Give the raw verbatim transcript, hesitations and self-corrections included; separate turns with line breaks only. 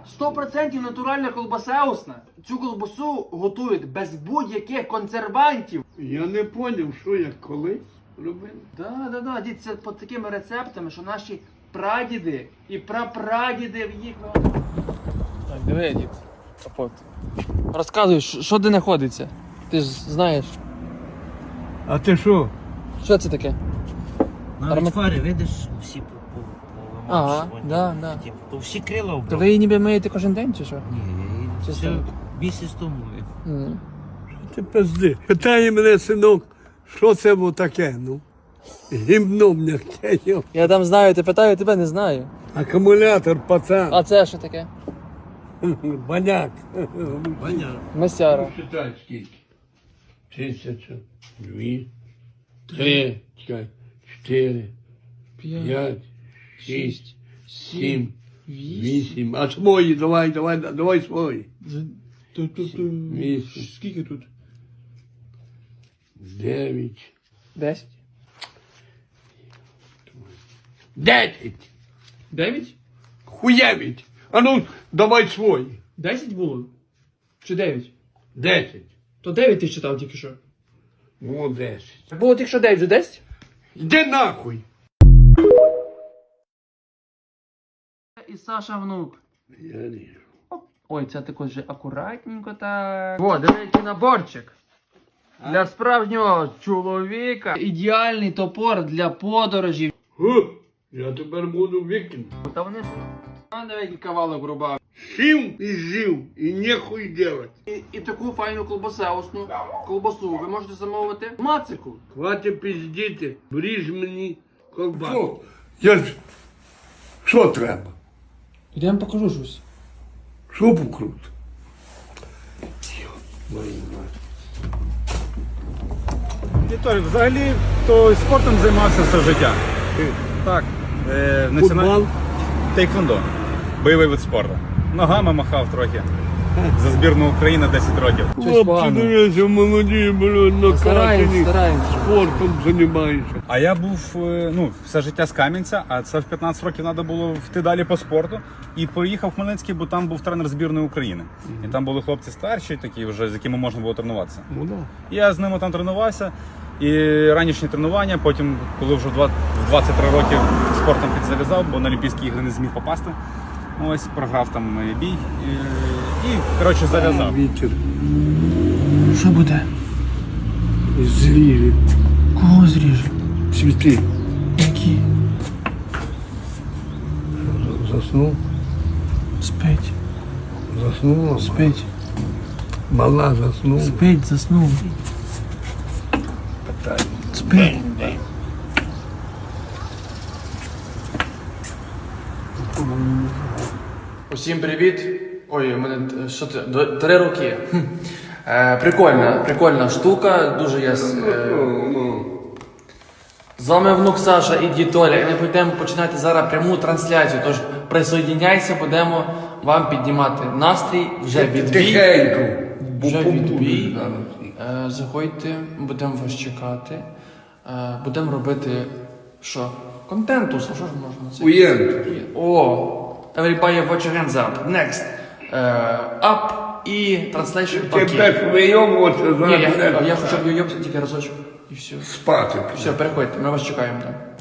сто відсотків натуральна колбаса усна. Цю колбасу готують без будь-яких консервантів.
Я не зрозумів, що я колись робив.
Да, да, да, дід, це по такими рецептами, що наші прадіди і прапрадіди в їх... Так, диви, дід, капот. Розказуй, що де знаходиться? Ти ж знаєш.
А ти що?
Що це таке?
Навіть
Арма-
фари, видиш, всі по- по-
Ага,
повимащувані.
да, да.
Типу, то всі крила
То
вбрав.
ви її ніби миєте кожен день, чи що?
Ні, я її
Чи
все
що?
місяць тому. мив.
М.
Ти пизди. Питає мене, синок, що це було таке, ну? Гімно м'яке, йо.
Я там знаю, ти питаю, тебе не знаю.
Акумулятор, пацан.
А це що таке?
Баняк.
Понятно.
Месяра.
Считай скільки. Тисяча, дві, три, чекай, чотири, п'ять, шість, сім, вісім. А свої, давай, давай, давай свої. Вісім.
Скільки тут?
Дев'ять.
Десять.
Десять.
Дев'ять?
Хуєвіть. А ну, давай свої.
Десять було? Чи дев'ять?
Десять.
То дев'ять ти читав тільки що.
О, десять.
Було тільки що дев'ять, вже десять?
Йди нахуй.
І Саша внук.
Я ріжу.
Ой, це також вже акуратненько так. О, диви, який наборчик. Для справжнього чоловіка. Ідеальний топор для подорожів.
Гу, я тепер буду викинути.
Та вони ж... А, диви, який кавалок рубав.
Сів і жив, і нехуй делать.
І, і таку файну колбасеусну колбасу ви можете замовити в Мацику.
Хватить пиздіти, бріж мені колбасу. Я ж... Що треба?
Я вам покажу щось.
Що покрут? Мої мать.
Вікторій, взагалі, то спортом займався все життя. Так, е, національ-
Футбол?
Тейквондо. Бойовий вид спорту. Ногами махав трохи. За збірну України десять років.
Щось
Хлопці,
погано.
дивіться, молоді, блядь,
Стараємось,
накачані.
стараємось.
Спортом займаюся.
А я був е, ну, все життя з Кам'янця, а це в п'ятнадцять років треба було йти далі по спорту. І поїхав в Хмельницький, бо там був тренер збірної України. І там були хлопці старші, такі вже, з якими можна було тренуватися.
Ну да.
Я з ними там тренувався. І ранішні тренування, потім, коли вже в два- в двадцять три роки спортом підзав'язав, бо на Олімпійські ігри не зміг попасти. Ось, програв там е, бій. І, і коротше, зав'язав.
Вітер
Що буде?
зріже,
Кого зріже?
цвіти.
Які?
Заснув,
Спить.
заснула.
Спить.
Мала заснула.
Спить, заснув. Спить. Усім привіт. Ой, у мене е, що це? Д- Три роки. Хм. Е, прикольна, прикольна штука. Дуже я. с- Е, з вами внук Саша і дід Толя. І ми будемо починати зараз пряму трансляцію. Тож присоединяйся, будемо вам піднімати настрій. Вже відбій.
Тихенько.
Вже
Бо
відбій.
побудуть зараз.
Е, заходьте, будемо вас чекати. Е, будемо робити що? Контенту, що ж можна це?
Уєнт.
О! Everybody watch your hands up. Next. Е, up і translation
Ти
окей.
так вийомуватися
Ні, я,
зараз.
я хочу йобся тільки разочок. І все.
Спати.
Все, переходьте, ми вас чекаємо там.